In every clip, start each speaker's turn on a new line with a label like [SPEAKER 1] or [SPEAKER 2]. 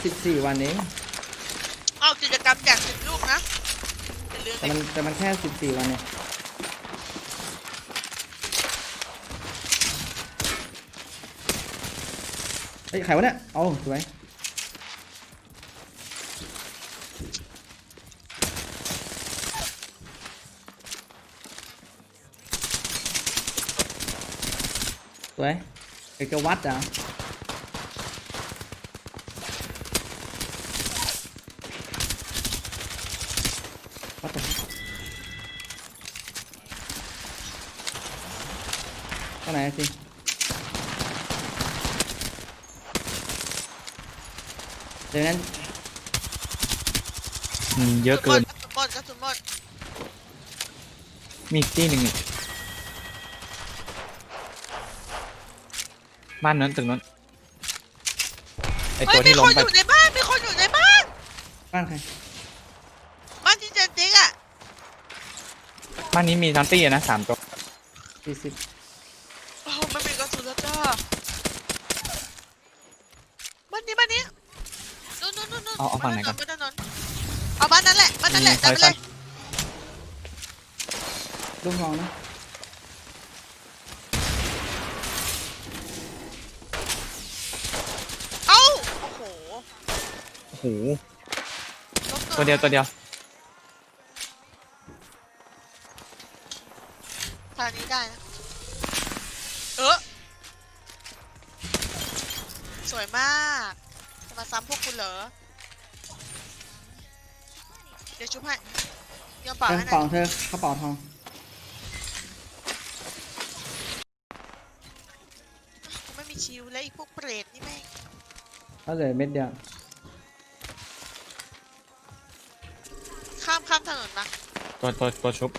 [SPEAKER 1] 14 วันเอง
[SPEAKER 2] เอากิจกรรมแจก10 ลูกนะ
[SPEAKER 1] แต่มันแค่14 วันเนี่ยเฮ้ยใครวะเนี่ยเอาสวยสวยเอกวัดอ่ะวัดตรงไหนสิเดี๋ยวนั้น
[SPEAKER 3] เยอะเกิน
[SPEAKER 2] กระสุนหมด
[SPEAKER 3] มีอีกที่หนึ่งนี่บ้านนั้นตึกนั้นไอตัวที่ล้มไป
[SPEAKER 2] มีคนอยู่ในบ้านมีคนอยู่ในบ้าน
[SPEAKER 1] บ้านใคร
[SPEAKER 2] บ้านที่เจนติ๊กอ่ะ
[SPEAKER 3] บ้านนี้มีทันตี้นะ3 ตัว
[SPEAKER 1] 40
[SPEAKER 2] โอ้ไม่มีกระสุนแล้วจ้าบ้านนี้นู่น
[SPEAKER 3] เอาฝั่งไหนก่อน
[SPEAKER 2] เอาบ้านนั้นแหละจับไปเลย
[SPEAKER 1] ลูกน้องนะ
[SPEAKER 2] เอ้าโอ้โห
[SPEAKER 3] ตัวเดียว
[SPEAKER 2] ทางนี้ได้นะสวยมากจะมาซ้ำพวกคุณเหรอเดี๋ยวชุบให้ยอมเปล่าให้หน่
[SPEAKER 1] เป๋า
[SPEAKER 2] อย
[SPEAKER 1] เธอกระเป๋าทอง
[SPEAKER 2] ไม่มีชิวแล้วอีกพวกเปรตนี่แม่ง
[SPEAKER 1] ก็เหลือเม็ดเดียว
[SPEAKER 2] ข้ามถนนมา
[SPEAKER 3] ตัวชุบ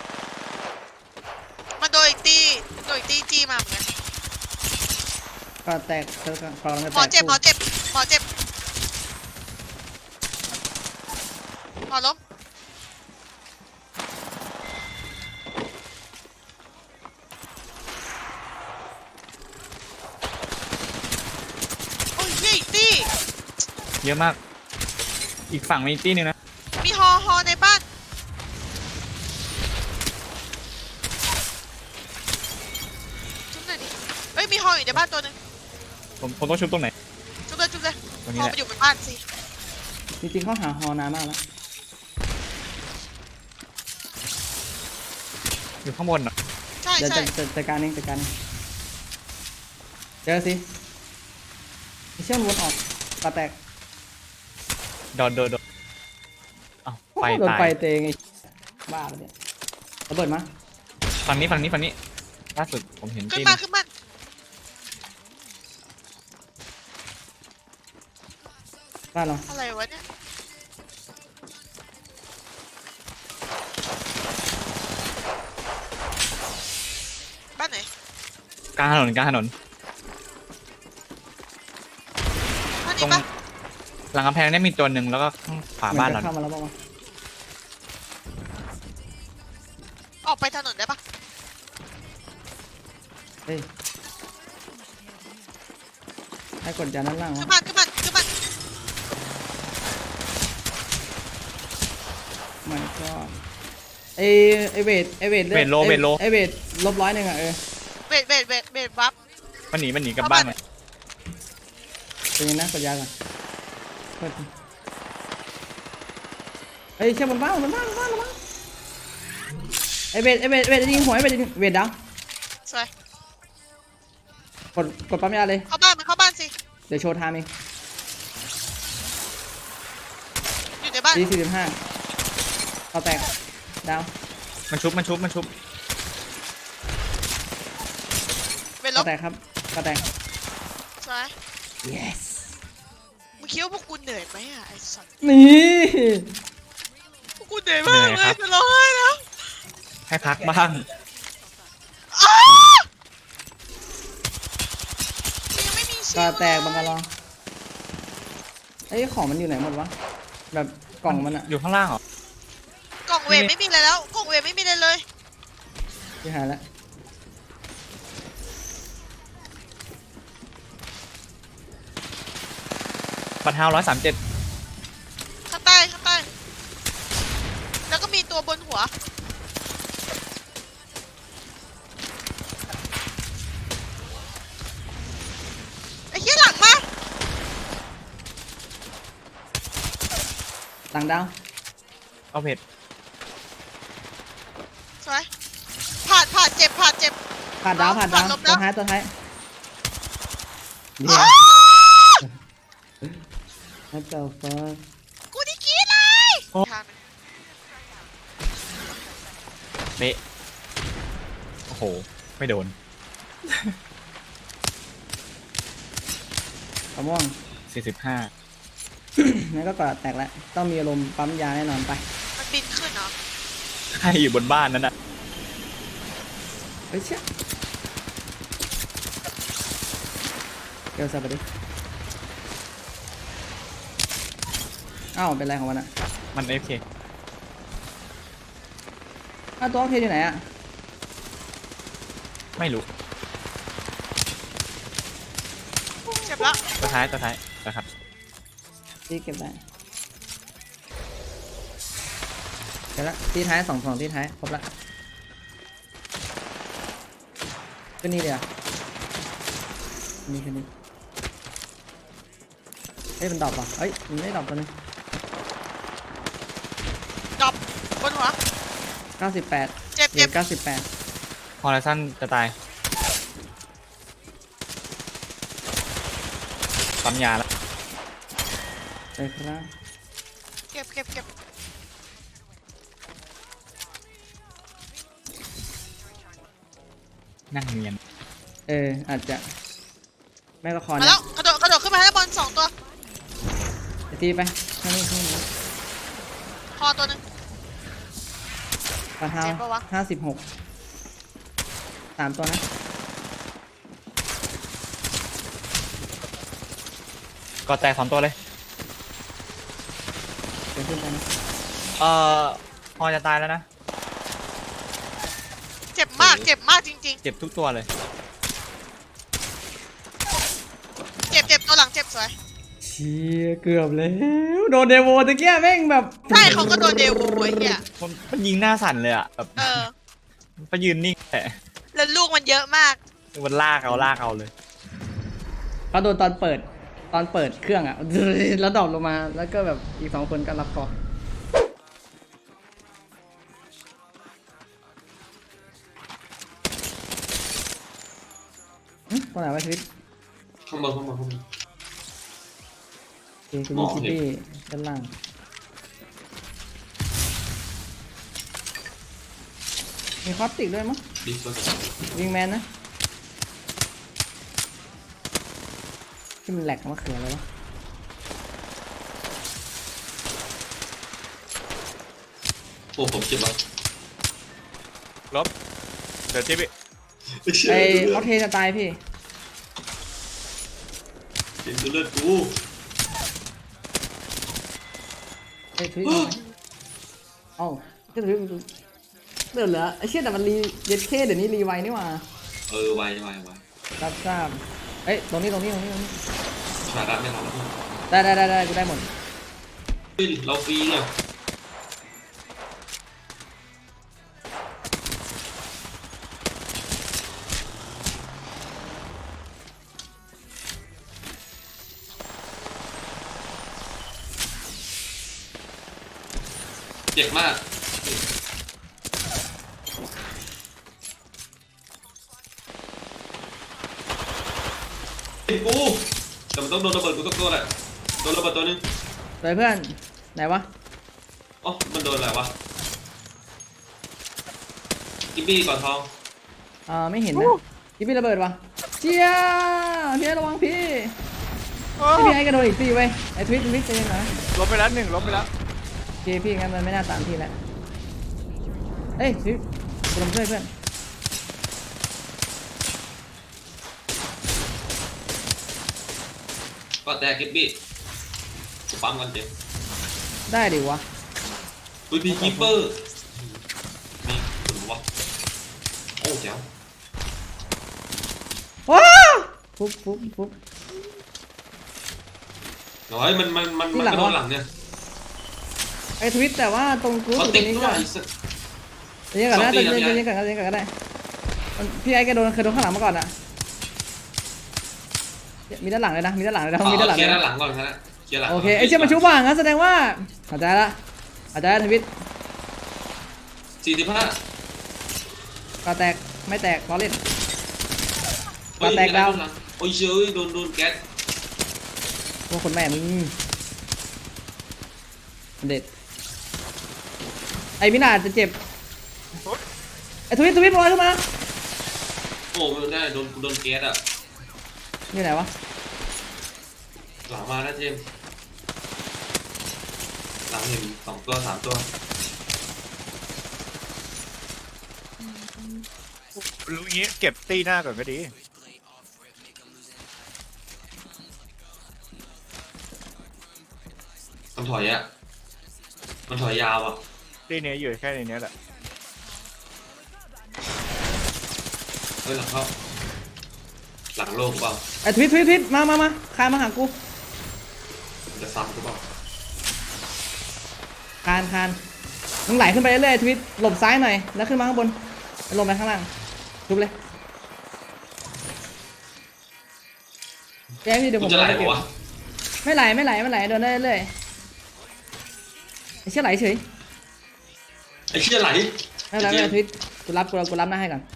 [SPEAKER 2] มาโดยอีกตีจี้มาเหมือนกัน
[SPEAKER 1] ก็แตกเธอกำลังจะแตก
[SPEAKER 2] หมอเจ็บหมอล้มโอ้ยยี่ตี
[SPEAKER 3] เยอะมากอีกฝั่งมีอีกที่หนึงนะ
[SPEAKER 2] มีฮอในบ้านชุบหน่อยดิเอ้ยมีฮออยู่ในบ้านตัวนึง
[SPEAKER 3] ผมต้องชุบตรงไหน
[SPEAKER 2] ชุบเลย
[SPEAKER 3] ตรงนี้
[SPEAKER 2] ฮอ
[SPEAKER 3] แหละ
[SPEAKER 2] มาอยู่บนบ้านสิ
[SPEAKER 1] จริงๆเขาหาฮอนานมากแล้ว
[SPEAKER 3] อยู่ข้างบนอ่ะ
[SPEAKER 2] ใช่
[SPEAKER 1] เดี๋ยวจัดการเองเจอสิมีเชื่อมวนออกกระแตก
[SPEAKER 3] โดนอ้าวไฟ
[SPEAKER 1] โดน
[SPEAKER 3] ตาย
[SPEAKER 1] ไฟเตงไอ้บ้าไปเนี่ยระเบิดมา
[SPEAKER 3] ฝั่งนี้ล่าสุดผมเห็น
[SPEAKER 2] ขึ้น
[SPEAKER 3] ที่
[SPEAKER 2] มา
[SPEAKER 1] บ้านเรา
[SPEAKER 2] อะไรวะเนี่ยบ้านไหน
[SPEAKER 3] กลางถนน
[SPEAKER 2] บ้าน
[SPEAKER 3] ตร
[SPEAKER 2] นี้
[SPEAKER 3] ง
[SPEAKER 2] ปะ
[SPEAKER 3] หลังกำแพงเนี่ยมีตัวหนึ่งแล้วก็ข้างขวาบ้านเรา
[SPEAKER 1] เข้ามาแล้วบ้างวะ
[SPEAKER 2] ออกไปถนนได้ปะ
[SPEAKER 1] เฮ้ยให้กดยาด้านล่าง
[SPEAKER 2] ขึ้น
[SPEAKER 1] วะ
[SPEAKER 2] มา
[SPEAKER 1] มันก็ไอเวทไอเวท
[SPEAKER 3] เวทโล
[SPEAKER 1] ไอเวทลบ100อ่ะ
[SPEAKER 2] เวทบัฟ
[SPEAKER 3] มันหนีกลับบ้านเลย
[SPEAKER 1] เป็นยังนะกดยาก่อนเฮ้ยเชื่อมันบ้างไอเวทยิงหัวไอเวทดาว
[SPEAKER 2] สวย
[SPEAKER 1] กดปั๊มยาเลย
[SPEAKER 2] เข้าบ้านสิ
[SPEAKER 1] เดี๋ยวโชว์ไทม์เอง
[SPEAKER 2] อยู่ในบ้าน
[SPEAKER 1] 45เขาแตกดาว
[SPEAKER 3] มันชุบ
[SPEAKER 2] เวทล
[SPEAKER 1] เขา
[SPEAKER 2] บ
[SPEAKER 1] แตกครับเขาแตก
[SPEAKER 2] สวย
[SPEAKER 1] yes
[SPEAKER 2] มึงคิดว่าพวกกูเหนื่อยไหมอ่ะไอ้สัตว์
[SPEAKER 1] นี่
[SPEAKER 2] พวกกูเหนื่อยมากเลยจะร้องไห้แล้ว
[SPEAKER 3] ให้พักบ้าง
[SPEAKER 2] ยังไม่มีชิ
[SPEAKER 1] ก็
[SPEAKER 2] ว
[SPEAKER 1] แตกบังกะลองไอ้ของมันอยู่ไหนหมดวะแบบกล่องมันอะ
[SPEAKER 3] อยู่ข้างล่างเหรอก
[SPEAKER 2] ล่องเวทไม่มีอะไรแล้วกล่องเวทไม่มีอะไรเลย
[SPEAKER 1] ที่หายแล้ว
[SPEAKER 3] บัปัดเท้า137
[SPEAKER 2] ข้างใต้ข้างใต้แล้วก็มีตัวบนหัวไอ้เหี้ยหลังมา
[SPEAKER 1] หลังดาว
[SPEAKER 3] เอาเพจ
[SPEAKER 2] สวยผ่านเจ็บ
[SPEAKER 1] ผ่านดาว
[SPEAKER 2] ผ่านลบ
[SPEAKER 1] ตัว
[SPEAKER 2] แล้ว
[SPEAKER 1] ท้ายตัวท้ายเดี๋ยว
[SPEAKER 2] อ้าว
[SPEAKER 1] What the fuck
[SPEAKER 2] กูนี่กรีดเลยทางหนึ่ง
[SPEAKER 3] เละโอ้โหไม่โดน
[SPEAKER 1] กระม่วง
[SPEAKER 3] 45
[SPEAKER 1] นั่นก็กระแตกแล้วต้องมีอารมณ์ปั๊มยาแน่นอนไป
[SPEAKER 2] มันบินขึ้นเหรอ
[SPEAKER 3] ใครอยู่บนบ้านนั้นอ่ะ
[SPEAKER 1] เฮ้ยเชี่ยเกี่ยวสับไปดิอ้าวเป็นไรของมันอะ
[SPEAKER 3] มัน AFK
[SPEAKER 1] อ้าวตัวเพลอยู่ไหนอะ
[SPEAKER 3] ไม่รู้
[SPEAKER 2] เจ็บแล้ว
[SPEAKER 3] ตัวท้ายนะครับ
[SPEAKER 1] ที่เก็บได้เก็บละที่ท้ายสองที่ท้ายครบละขึ้นนี่เดี๋ยวนี่ขึ้นนี่เฮ้ยมันดรอปป่ะเฮ้ยมันไม่ดรอปตัวนึง
[SPEAKER 2] ดรอปบนหัว
[SPEAKER 1] 98
[SPEAKER 2] เจ็บ
[SPEAKER 1] เหรียญ98
[SPEAKER 3] ฮอลไลซันจะตายปั๊มยาแล้ว
[SPEAKER 1] เลยครับ
[SPEAKER 2] เก็บ
[SPEAKER 3] นั่งเนียน
[SPEAKER 1] อาจจะแม่ก็คอน
[SPEAKER 2] มาแล้วกระโดดขึ้นมาให้บอล2ตัว
[SPEAKER 1] ตีไปข้างนี้
[SPEAKER 2] คอตัวหนึ่ง
[SPEAKER 1] ปลาเท้า
[SPEAKER 2] เจ็บปะวะ
[SPEAKER 1] 56 3 ตัวนะ
[SPEAKER 3] ก็แตก2 ตัวเลย
[SPEAKER 1] เดี๋ยวขึ้นไปนะ
[SPEAKER 3] ฮอจะตายแล้วนะ
[SPEAKER 2] เจ็บมากจริง
[SPEAKER 3] เจ็บทุกตัวเลย
[SPEAKER 2] ๆ เจ็บตัวหลังเจ็บสวย
[SPEAKER 1] เชี่ยเกือบแล้วโดนเดโวตะเกียแม่งแบบ
[SPEAKER 2] ใช่เขาก็โดนเดวูไอ้เหี้ย
[SPEAKER 3] มันยิงหน้าสั่นเลยอ่ะแบบ
[SPEAKER 2] เออ
[SPEAKER 3] ไปยืนนิ่งแต่
[SPEAKER 2] แล้วลูกมันเยอะมาก
[SPEAKER 3] มันลากเอาเลย
[SPEAKER 1] เขาโดนตอนเปิดเครื่องอ่ะ แล้วดรอปลงมาแล้วก็แบบอีก2 คนก็รับเคอตรงไหนวะชีวิต
[SPEAKER 4] ข้างบน
[SPEAKER 1] โอเคคุณมีชิปปี้ด้านล่างมีคอสติกด้วยมั้ง
[SPEAKER 4] ดิสเบอร์
[SPEAKER 1] วิงแมนนะที่มันแหลกมะเขืออะไรวะ
[SPEAKER 4] โอ้ผมเจ็บว่ะ
[SPEAKER 3] ลบเดี๋ยวจิ๊บ
[SPEAKER 1] ไอออเทจะตายพี่
[SPEAKER 4] เจ็บเลือดกู
[SPEAKER 1] ไอทวิตมาเอ้าก็ทวิตเดือดเหรอไอเชี่ยแต่มันรีเย็ดเคเดี๋ยวนี้รีไวนี่หว่า
[SPEAKER 4] ไว
[SPEAKER 1] รับทราบเอ้ยตรงนี้
[SPEAKER 4] ชาระไม่รับ
[SPEAKER 1] ได้กูได้หมด
[SPEAKER 4] เฮ้ยเราฟรีเนี่ยเจ็บมากกูแต่มันต้องโดนระเบิดกูต้องตัวแหละโดนระเบิดตัวนึง
[SPEAKER 1] เลยเพื่อนไหนวะ
[SPEAKER 4] อ๋อมันโดนอะไรวะกิบบี้ก่อนทอง
[SPEAKER 1] ไม่เห็นนะพี่ระเบิดวะเชี่ยพี่ระวังพี่พี่ไอ้กระโดดอีกตีเว้ยไอ้ทวิตใจเย็นหน่อย
[SPEAKER 3] ลบไปแล้ว1ลบไปแล้ว
[SPEAKER 1] โอเคพี่งั้นมันไม่น่าตามพี่แล้วเอ้ยทวิตกูลงช่วยเพื่อน
[SPEAKER 4] ก็แตกกิบบี้กูปั๊มกันเจ็บ
[SPEAKER 1] ได้ดิวะ
[SPEAKER 4] อุ้ยมีคีเปอร์มีขุนวะโอ้เจ๋ว
[SPEAKER 1] ว้าวฟุบ
[SPEAKER 4] น้อยมันก็โดนหลังเนี่ย
[SPEAKER 1] ไอ้ทวิตแต่ว่าตรงกู
[SPEAKER 4] เขา
[SPEAKER 1] ตร
[SPEAKER 4] ติด
[SPEAKER 1] งนี้
[SPEAKER 4] ด้ว
[SPEAKER 1] ก็
[SPEAKER 4] ย
[SPEAKER 1] เดี๋ยวก่อนนะเดี๋ยวก่อนก็ได้พี่ไอ้แกเคยโดนข้างหลังมาก่อนอ่ะมีด้านหลังเลยนะมีด้านหลังเลยนะมีด้านหลัง
[SPEAKER 4] เคลี
[SPEAKER 1] เลย ย
[SPEAKER 4] ร์ด้านห
[SPEAKER 1] นะ
[SPEAKER 4] ลังก่อนนะเคลียร์หลัง
[SPEAKER 1] โอเคไอ้เชี่ยมันชุบว่างงั้นแสดงว่าเข้าใจละทวิต
[SPEAKER 4] 45
[SPEAKER 1] ก็แตกไม่แตกล้อเล่น
[SPEAKER 4] โอ้ย
[SPEAKER 1] แตกดาว
[SPEAKER 4] โอ้ยเชยโดนแก๊ส
[SPEAKER 1] พวกคนแม่มึงเด็ดไอ้มินาจะเจ็บไอ้ทวิตบอลขึ้นมา
[SPEAKER 4] โอ้ไม่ได้โดนแก๊สอ่ะ
[SPEAKER 1] อยู่ไหนวะ
[SPEAKER 4] หลังมานะเจมส์หลังเห็น2 ตัว 3 ตัว
[SPEAKER 5] รู้งี้เก็บตีหน้าก่อนก็ดี
[SPEAKER 4] มันถอยอ่ะมันถอยยาวอ่ะ
[SPEAKER 5] ตีเนี้ยอยู่แค่ในเนี้ยแหละ
[SPEAKER 4] เฮ้ยหลังเข้าหลังโลกเปล่า
[SPEAKER 1] ไอ้ทวิตมาคานมาหากู
[SPEAKER 4] มันจะซ้ำกูเปล่า
[SPEAKER 1] คานมึงไหลขึ้นไปเรื่อยๆทวิตหลบซ้ายหน่อยแล้วขึ้นมาข้างบนลงไปข้างล่างทุบเลยแกพี่เดี๋ยวผ
[SPEAKER 4] กู
[SPEAKER 1] ม
[SPEAKER 4] จะไหล
[SPEAKER 1] เก็
[SPEAKER 4] ปะ
[SPEAKER 1] บ
[SPEAKER 4] วะ
[SPEAKER 1] ไม่ไหลเดินได้เรื่อยไอ้เชี่ยไหลเฉย
[SPEAKER 4] ไอ้เชี่ยไหล
[SPEAKER 1] ไม่เป็นไรทวิตกูรับหน้าให้ก่อน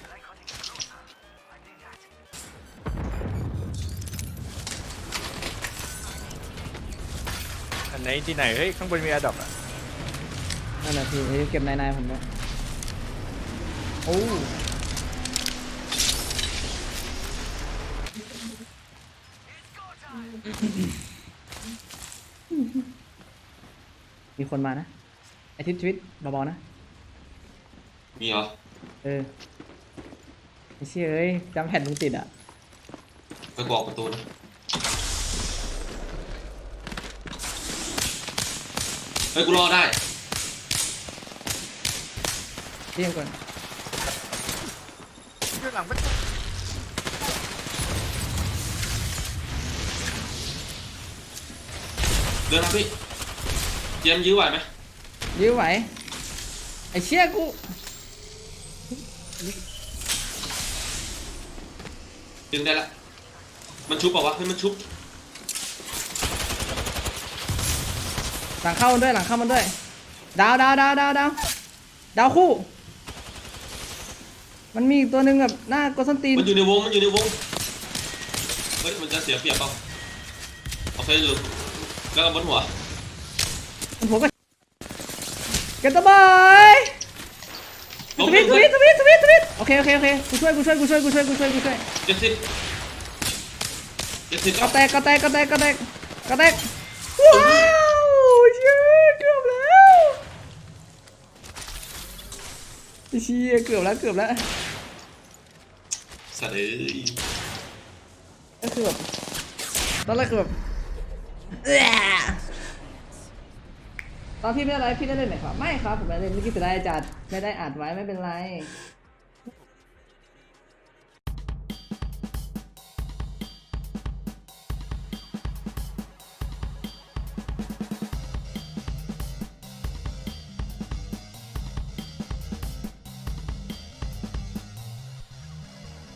[SPEAKER 5] อันไหนที่ไหนเฮ้ยข้างบนมีอะดอปอ่ะ
[SPEAKER 1] นั่นแหละพี่เก็บนายผมด้วยโอ้มีคนมานะไอทิศทวิตเบาๆนะ
[SPEAKER 4] มีเหรอ
[SPEAKER 1] ไอ้เชี่ยเอ้ยจำแผ่นมึงติดอ่ะ
[SPEAKER 4] ไปบอกประตูนะเฮ้ยกูรอได้
[SPEAKER 1] เที่ยงก่อน
[SPEAKER 5] อยู่หลังมัน
[SPEAKER 4] เดินมาพี่เจมส์ยื้อไหวไหม
[SPEAKER 1] ยื้อไหวไอ้เชี่ยกู
[SPEAKER 4] ดึงได้ละมันชุบเปล่าวะเฮ้ยมันชุบ
[SPEAKER 1] หลังเข้ามันด้วยดาวคู่มันมีอีกตัวหนึ่งแบบหน้ากดส้นตีน
[SPEAKER 4] มันอยู่ในวงเฮ้ยมันจะเสียเปรียบเปล่าโอเคอยู่แล้วก็บนหัว
[SPEAKER 1] มันผมก็เก็บตัวบอยทวิตโอเคกูช่วย
[SPEAKER 4] 70
[SPEAKER 1] ก็แตกว้าวเชี่ยเกือบแล้วเชี่ยเกือบแล้ว
[SPEAKER 4] สัตว์เอ้ย
[SPEAKER 1] ก็คือแบบตอนแรกคือแบบตอนพี่ไม่ได้ไลฟ์พี่ได้เล่นไหมครับไม่ครับผมไม่ได้เล่นเมื่อกี้เสียดายจัดไม่ได้อัดไว้ไม่เป็นไร